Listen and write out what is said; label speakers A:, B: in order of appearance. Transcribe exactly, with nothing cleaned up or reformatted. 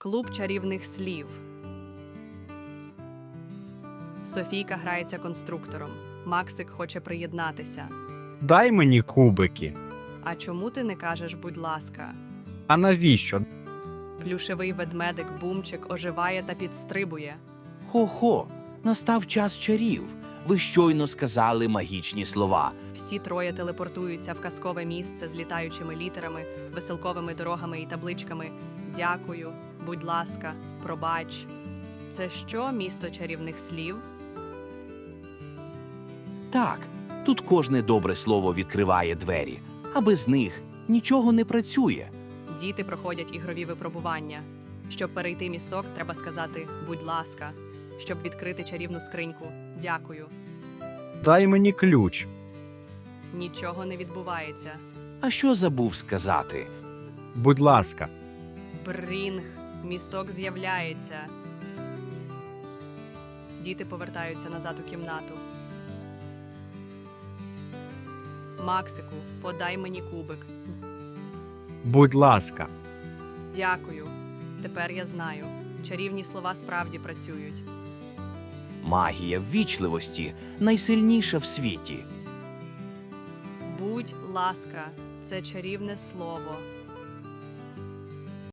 A: Клуб чарівних слів. Софійка грається конструктором. Максик хоче приєднатися.
B: Дай мені кубики.
A: А чому ти не кажеш, будь ласка?
B: А навіщо?
A: Плюшевий ведмедик Бумчик оживає та підстрибує.
C: Хо-хо, настав час чарів. Ви щойно сказали магічні слова.
A: Всі троє телепортуються в казкове місце з літаючими літерами, веселковими дорогами і табличками. Дякую, будь ласка, пробач. Це що, місто чарівних слів?
C: Так, тут кожне добре слово відкриває двері, а без них нічого не працює.
A: Діти проходять ігрові випробування. Щоб перейти місток, треба сказати «будь ласка». Щоб відкрити чарівну скриньку «дякую».
B: Дай мені ключ.
A: Нічого не відбувається.
C: А що забув сказати?
B: Будь ласка.
A: Брінг, місток з'являється. Діти повертаються назад у кімнату. Максику, подай мені кубик.
B: Будь ласка.
A: Дякую. Тепер я знаю. Чарівні слова справді працюють.
C: Магія ввічливості найсильніша в світі.
A: Будь ласка, це чарівне слово.